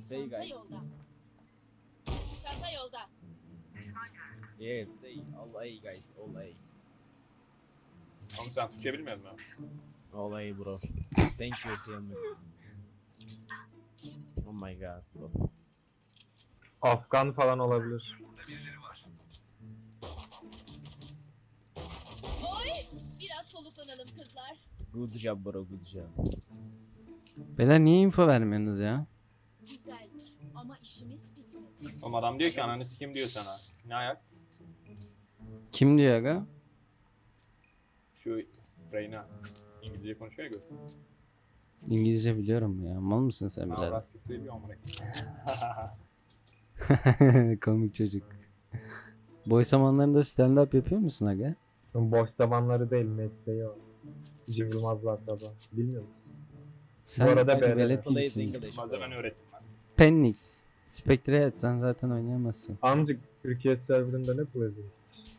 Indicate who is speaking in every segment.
Speaker 1: Say
Speaker 2: Çanta
Speaker 1: guys.
Speaker 2: yolda. Çanta yolda.
Speaker 1: Yeah, say all A guys, all A.
Speaker 3: Oğlum sen Türkçe bilmiyor musun?
Speaker 1: All A bro. Thank you, tell me. Oh my god bro.
Speaker 4: Afgan falan olabilir.
Speaker 2: Oy! Biraz soluklanalım kızlar.
Speaker 1: Good job bro, good job.
Speaker 5: Beyler niye info vermiyorsunuz ya?
Speaker 2: Güzeldir ama işimiz bitmedi.
Speaker 3: Oğlum adam diyor ki ananı sikim diyor sana. Ne ayak?
Speaker 5: Kim diyor aga?
Speaker 3: Şu Reyna. İngilizce konuşuyor ya gör.
Speaker 5: İngilizce biliyorum ya. Mal mısın sen birader?
Speaker 3: Avrat fikri bir amına.
Speaker 5: Komik çocuk. Boş zamanlarında stand up yapıyor musun aga?
Speaker 4: Boş zamanları değil, mesleği o. Cem Yılmaz'la tabi. Bilmiyor musun?
Speaker 5: Sen
Speaker 4: arada
Speaker 5: biraz
Speaker 4: böyle
Speaker 5: velet
Speaker 1: Plays
Speaker 5: gibisin.
Speaker 1: English
Speaker 3: Malzemen
Speaker 1: bro.
Speaker 3: öğrettim ben.
Speaker 5: Pennix. Spectre et sen zaten oynayamazsın.
Speaker 4: Amcık Türkiye serverında ne pleasant?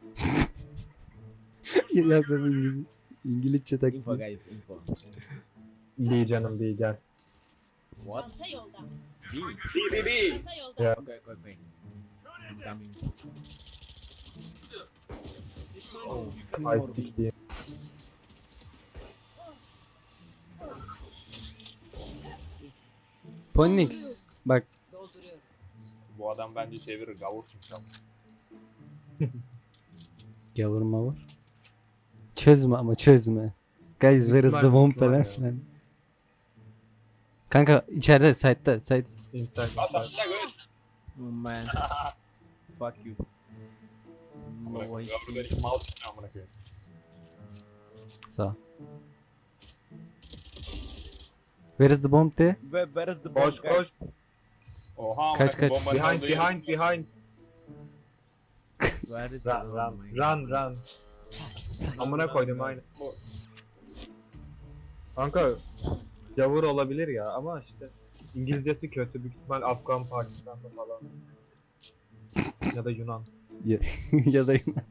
Speaker 5: ya ben İngilizce
Speaker 1: Info
Speaker 5: taklit.
Speaker 1: guys, info.
Speaker 4: Bir canım bir gel.
Speaker 1: What?
Speaker 2: Çanta yolda.
Speaker 1: B?
Speaker 3: B.
Speaker 2: Çanta yolda.
Speaker 4: Ya.
Speaker 1: Okay, okay, okay. I'm coming. Oh, two
Speaker 4: Ay
Speaker 1: more B.
Speaker 4: siktiğim.
Speaker 5: Ponnix. Bak
Speaker 3: Bu adam bence çevirir gavur çünkü.
Speaker 5: gavur mavur. Çözme ama çözme. Guys where is the bomb falan filan. Kanka içeride site'da site.
Speaker 4: İnsan.
Speaker 3: Aslında gör.
Speaker 1: Oh man. Fuck you. No
Speaker 3: Gavur
Speaker 1: way.
Speaker 3: böyle mal çıkıyor amına koyayım.
Speaker 5: Sağ ol. Where is the bomb de?
Speaker 1: Where is the
Speaker 4: Koş,
Speaker 1: bomb guys?
Speaker 3: Oha amına
Speaker 5: Kaç,
Speaker 3: koyayım,
Speaker 5: kaç?
Speaker 3: bombanın
Speaker 4: Behind,
Speaker 3: olduğu yer.
Speaker 4: behind.
Speaker 1: Where is the
Speaker 4: Run,
Speaker 1: bomb?
Speaker 4: run,
Speaker 1: Oh my God.
Speaker 4: run. Amına koydum aynı. Kanka Yavur olabilir ya ama işte İngilizcesi kötü, büyük ihtimal Afgan Pakistan'da falan. Ya da Yunan.
Speaker 5: ya da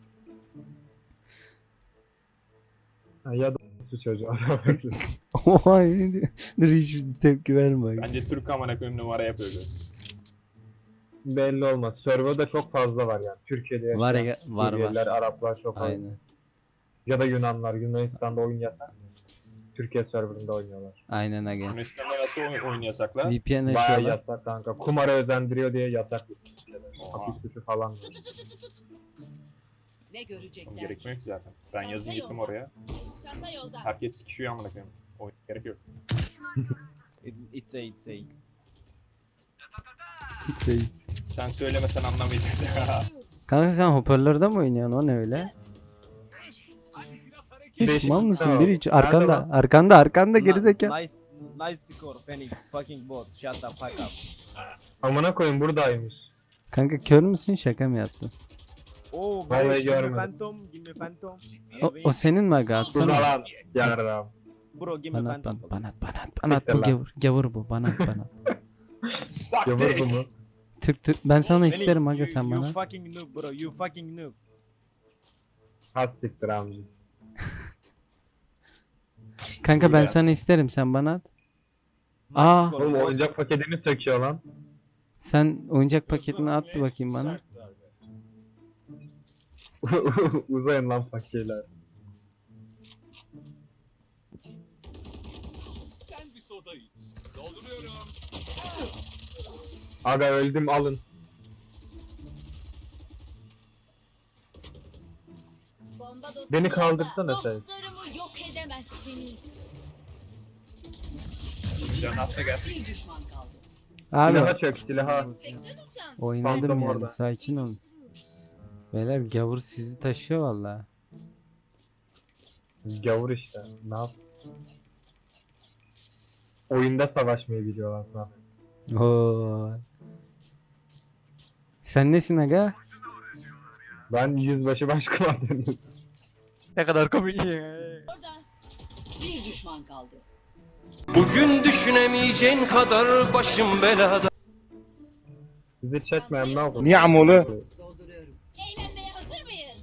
Speaker 4: Ha, ya da su çocuğu.
Speaker 5: Oha ne diyor? Dur hiç tepki verme.
Speaker 3: Bence Türk amına koyayım numara yapıyor gör.
Speaker 4: Belli olmaz. Server'da çok fazla var yani. Türkiye'de yaşayan
Speaker 5: Var ya, var.
Speaker 4: Suriyeliler, Araplar çok fazla.
Speaker 5: Aynen.
Speaker 4: Ya da Yunanlar. Yunanistan'da oyun yasak. Türkiye serverında oynuyorlar.
Speaker 5: Aynen aga.
Speaker 3: Yunanistan'da nasıl oyun yasaklar?
Speaker 5: VPN
Speaker 4: Bayağı
Speaker 5: açıyorlar.
Speaker 4: yasak kanka. Kumara özendiriyor diye yasak.
Speaker 3: Oha.
Speaker 4: Hapis suçu falan. var.
Speaker 2: Ne
Speaker 3: Oğlum
Speaker 2: görecekler?
Speaker 3: gerekmiyor ki zaten. Ben yazın gittim oraya.
Speaker 2: Çanta yolda.
Speaker 3: Herkes sikişiyor amına koyayım. Oyun gerek yok.
Speaker 1: It's A, it's A.
Speaker 3: Sen söylemesen anlamayacaksın.
Speaker 5: Kanka sen hoparlörde mi oynuyorsun o ne öyle? Hiç
Speaker 4: Değişik
Speaker 5: mal
Speaker 4: bir
Speaker 5: mısın?
Speaker 4: kanal.
Speaker 5: Bir hiç
Speaker 4: Nerede
Speaker 5: arkanda
Speaker 4: lan?
Speaker 5: arkanda gerizekalı.
Speaker 1: Nice, nice score Phoenix. Fucking bot. Shut the fuck up.
Speaker 4: Amına koyayım buradaymış.
Speaker 5: Kanka kör müsün şaka mı yaptın?
Speaker 1: Oh
Speaker 4: Vallahi
Speaker 1: guys, give me
Speaker 4: görmedim.
Speaker 1: phantom. Give me phantom.
Speaker 5: O senin mi aga
Speaker 4: Dur
Speaker 5: atsana.
Speaker 4: lan. Yarram.
Speaker 1: Bro, give me
Speaker 5: Bana at
Speaker 1: phantom.
Speaker 5: bana
Speaker 1: please.
Speaker 5: at bana at bu gavur bu bana at bana at.
Speaker 4: Yavur bu mu?
Speaker 5: Türk ben sana
Speaker 1: Phoenix,
Speaker 5: isterim aga
Speaker 1: you-
Speaker 5: sen
Speaker 1: You
Speaker 5: bana.
Speaker 1: fucking noob bro. You fucking noob.
Speaker 4: Has siktir amca.
Speaker 5: Kanka ben
Speaker 3: Buyur
Speaker 5: sana isterim sen bana at.
Speaker 1: Nice
Speaker 5: Aa.
Speaker 1: score,
Speaker 4: Oğlum
Speaker 1: boys.
Speaker 4: oyuncak paketini söküyor lan.
Speaker 5: Sen oyuncak paketini at bir bakayım bana.
Speaker 4: Uzayın lan fakirler.
Speaker 6: Sen bir soda iç. Dolduruyorum.
Speaker 4: Aga öldüm alın.
Speaker 2: Bomba dostum
Speaker 4: Beni
Speaker 2: yolda.
Speaker 4: kaldırsana sen.
Speaker 2: Dostlarımı yok edemezsiniz.
Speaker 3: Can hasta gel.
Speaker 2: Bir düşman kaldı.
Speaker 5: Abi
Speaker 4: Silaha çök silaha.
Speaker 2: Yüksekten uçan.
Speaker 5: oynadım
Speaker 4: Sandım
Speaker 5: yani
Speaker 4: orada.
Speaker 5: sakin ol. Beyler gavur sizi taşıyor valla.
Speaker 4: Gavur işte. Ne yap? Oyunda savaşmayı biliyorlar lan.
Speaker 5: Oo. Sen nesin aga?
Speaker 4: Ben yüzbaşı başkomandanım. Ne kadar komik.
Speaker 2: Orada. Bir düşman kaldı.
Speaker 7: Bugün düşünemeyeceğin kadar başım belada.
Speaker 4: Bizi çekmeyen ne yapalım?
Speaker 7: Niye amolu?
Speaker 2: Dolduruyorum. Eğlenmeye hazır mıyız?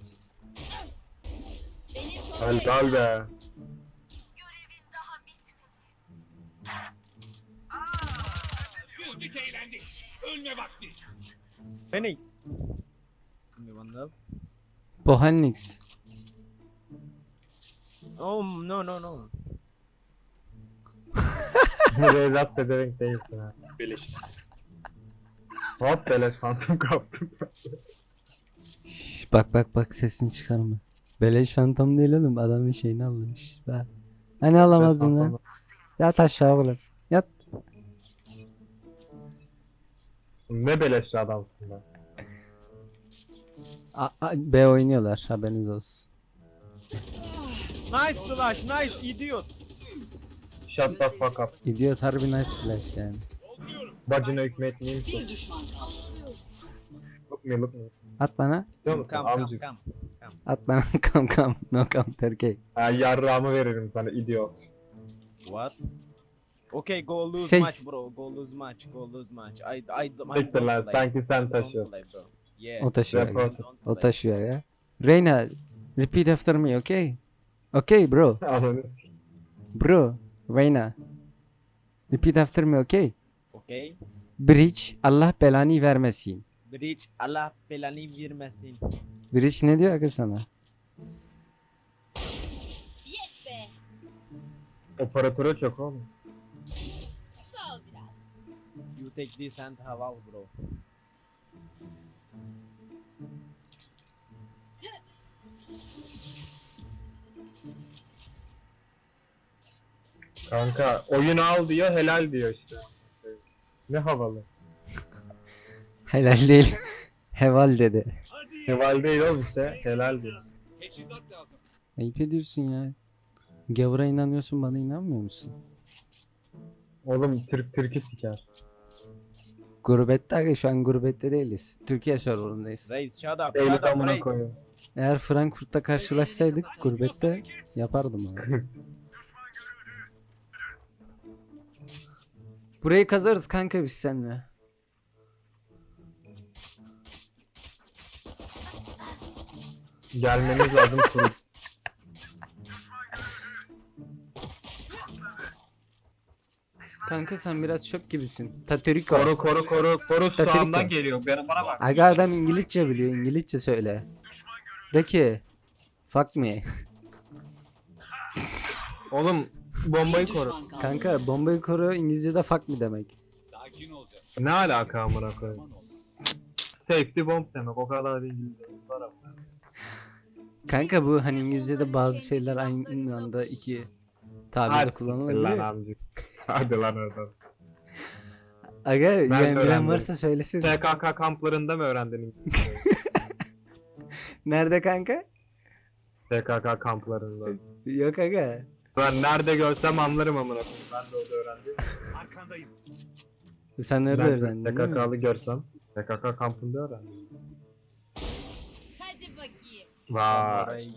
Speaker 2: Benim
Speaker 4: Helal be.
Speaker 6: Güldük eğlendik. Ölme vakti.
Speaker 1: Phoenix. Give me one love.
Speaker 5: Pohannix.
Speaker 1: Oh no no no.
Speaker 4: Reyzat pedevenk değilsin ha.
Speaker 3: Beleşiz.
Speaker 4: Hop beleş fantom kaptım.
Speaker 5: Şş, bak sesini çıkarma. Beleş fantom değil oğlum, adamın şeyini almış. Bak. Hani alamazdın lan. Yat aşağı oğlum. Yat.
Speaker 4: Ne beleşli adamsın lan.
Speaker 5: B oynuyorlar, haberiniz olsun.
Speaker 1: Nice flash, nice idiot.
Speaker 4: Shut the fuck up.
Speaker 5: İdiot harbi nice flash yani.
Speaker 4: Bacına hükmetmeyeyim
Speaker 2: Bir
Speaker 4: ki.
Speaker 2: düşman kaldı.
Speaker 4: Look me.
Speaker 5: At bana.
Speaker 4: Biliyor musun
Speaker 1: Come come
Speaker 4: amcık?
Speaker 1: come.
Speaker 5: At bana. Come. No come Turkey.
Speaker 4: Ha, yarrağımı veririm sana idiot.
Speaker 1: What? Okay, go lose
Speaker 5: Ses-
Speaker 1: match bro. Go lose match. Go lose match.
Speaker 4: Siktir lan sanki sen
Speaker 1: Don't
Speaker 4: taşıyorsun.
Speaker 1: play, bro. Yeah.
Speaker 5: O taşıyor.
Speaker 4: Report.
Speaker 5: ya.
Speaker 1: Don't
Speaker 5: O
Speaker 1: play.
Speaker 5: taşıyor ya. Reyna, repeat after me, okay? Okay bro.
Speaker 4: Ananı.
Speaker 5: Bro. Reyna. Repeat after me, okay?
Speaker 1: Okay.
Speaker 5: Bridge, Allah belanı vermesin.
Speaker 1: Bridge Allah belanı vermesin.
Speaker 5: Bridge ne diyor aga sana?
Speaker 2: Yes be.
Speaker 4: Operatöre çok oğlum.
Speaker 2: Sağ ol biraz.
Speaker 1: You take this and have out bro.
Speaker 4: Kanka oyunu al diyor helal diyor işte. Ne havalı.
Speaker 5: Helal değil. Heval dedi.
Speaker 6: Hadi.
Speaker 4: Heval değil oğlum işte helal diyor.
Speaker 6: Teçhizat lazım.
Speaker 5: Ayıp ediyorsun ya. Gavura inanıyorsun, bana inanmıyor musun?
Speaker 4: Oğlum Türk'ü siker.
Speaker 5: Gurbette aga, şu an gurbette değiliz. Türkiye serverındayız.
Speaker 1: Reis shut up.
Speaker 4: Eyle
Speaker 1: Shut up
Speaker 4: amına
Speaker 1: Reis.
Speaker 4: koyuyorum.
Speaker 5: Eğer Frankfurt'ta karşılaşsaydık gurbette yapardım abi. Burayı kazarız kanka biz seninle.
Speaker 4: Gelmeniz lazım kuru.
Speaker 5: Kanka sen biraz çöp gibisin. Tateriko.
Speaker 4: Koru
Speaker 5: Dakika.
Speaker 4: sağımdan geliyor. Bana bak.
Speaker 5: Aga adam İngilizce biliyor, İngilizce söyle. De ki fuck me.
Speaker 4: Oğlum bombayı
Speaker 2: Bir
Speaker 4: koru.
Speaker 2: düşman kaldı.
Speaker 5: Kanka bombayı koru İngilizce'de fuck me demek.
Speaker 6: Sakin olacağım.
Speaker 4: Ne alaka amına koyayım?
Speaker 6: Aman ol.
Speaker 4: Safety bomb demek o kadar da İngilizce. Var ama.
Speaker 5: Kanka bu hani İngilizce'de bazı şeyler aynı anda iki tabirde
Speaker 4: Hadi lan
Speaker 5: kullanılabiliyor.
Speaker 4: amcık. Hadi lan oradan.
Speaker 5: Aga yani bilen
Speaker 4: öğrendim.
Speaker 5: varsa söylesin.
Speaker 4: TKK kamplarında mı öğrendin İngilizceyi?
Speaker 5: Nerede kanka?
Speaker 4: TKK kamplarında.
Speaker 5: Yok aga.
Speaker 4: Ben nerede görsem anlarım amına koyayım. Ben de orada öğrendim.
Speaker 6: Arkandayım.
Speaker 5: Sen nerede
Speaker 4: Ben
Speaker 5: öğrendin değil mi?
Speaker 4: PKK'lı görsem PKK kampında öğrendim.
Speaker 2: Hadi bakayım.
Speaker 4: Vay.
Speaker 1: Reis.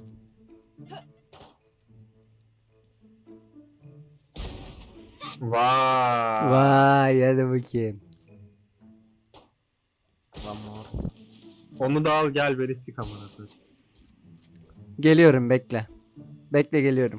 Speaker 4: Vay.
Speaker 5: Vay hadi bakayım.
Speaker 1: One more.
Speaker 4: Onu da al gel beni sik amına koyayım.
Speaker 5: Geliyorum bekle. Bekle geliyorum.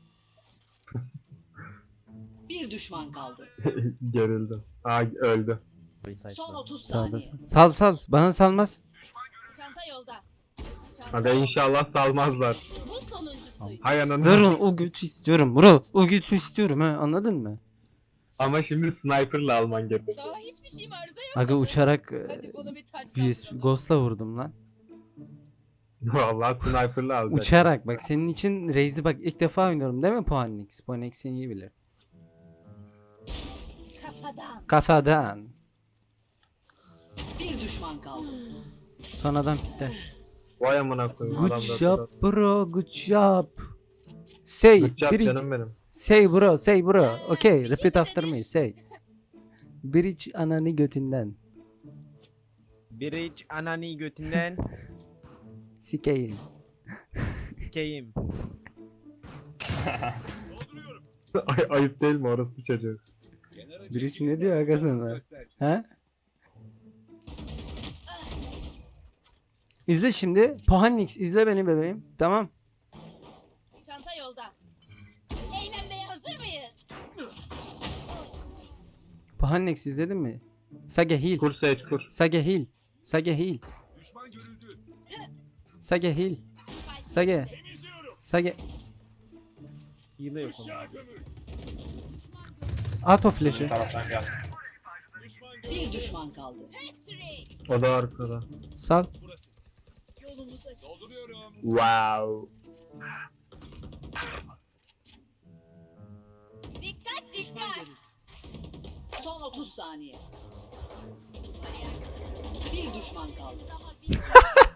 Speaker 2: Bir düşman kaldı.
Speaker 4: Gerildim. Aa öldü.
Speaker 1: Reis
Speaker 2: Son
Speaker 1: last.
Speaker 2: 30
Speaker 5: Sağda.
Speaker 2: saniye.
Speaker 5: Sal. Bana salmaz.
Speaker 2: Çanta yolda.
Speaker 4: Hadi inşallah salmazlar.
Speaker 2: Bu sonuncusuydu.
Speaker 4: Hay ananı.
Speaker 5: Durun o gücü istiyorum bro. O gücü istiyorum ha, anladın mı?
Speaker 4: Ama şimdi sniper'la alman gerekiyor.
Speaker 2: Daha hiçbir şeyim arıza yok.
Speaker 5: Aga uçarak
Speaker 2: Hadi bana bir touchdown
Speaker 5: BS
Speaker 2: vuralım.
Speaker 5: Ghost'la vurdum lan.
Speaker 4: Vallahi sniper'la alacak.
Speaker 5: Uçarak bak senin için Raze'i bak ilk defa oynuyorum değil mi Puanix? Puanix'in iyi bilir.
Speaker 2: Kafadan.
Speaker 5: Kafadan.
Speaker 2: Bir düşman kaldı.
Speaker 5: Son adam bitti.
Speaker 4: Vay amına koyayım.
Speaker 5: Good
Speaker 4: Adam da
Speaker 5: job bro, good job. Say,
Speaker 4: Good job
Speaker 5: bridge.
Speaker 4: canım benim.
Speaker 5: Say bro. Okay, repeat after me. Say. Bridge ananı götünden.
Speaker 1: Bridge anani götünden
Speaker 5: Sikeyim.
Speaker 1: sikeyim.
Speaker 4: Ayıp değil mi orası bir çocuk?
Speaker 6: Kenara
Speaker 5: Birisi
Speaker 6: çekilin
Speaker 5: ne diyor
Speaker 6: de
Speaker 5: aga sana?
Speaker 6: göstersin.
Speaker 5: Ha? İzle şimdi. Puanix izle beni bebeğim. Tamam.
Speaker 2: Çanta yolda. Eğlenmeye hazır mıyız?
Speaker 5: Puanix izledin mi? Sage heal.
Speaker 4: Kur Sage kur.
Speaker 5: Sage heal. Sage heal.
Speaker 6: Düşman görüldü.
Speaker 5: Sage heal. Sage.
Speaker 6: Temizliyorum.
Speaker 5: Sage.
Speaker 1: Heal'ı yok onun.
Speaker 6: Aşağı gömül.
Speaker 5: At o flash'ı.
Speaker 3: Taraftan gel.
Speaker 6: Düşman
Speaker 2: Bir düşman kaldı. Patrick.
Speaker 4: O da arkada.
Speaker 5: Sal.
Speaker 6: burası.
Speaker 2: Yolumuz açık.
Speaker 6: Dolduruyorum.
Speaker 4: Wow.
Speaker 2: Dikkat dikkat.
Speaker 8: Son 30 saniye. Bir düşman kaldı.
Speaker 2: Daha bir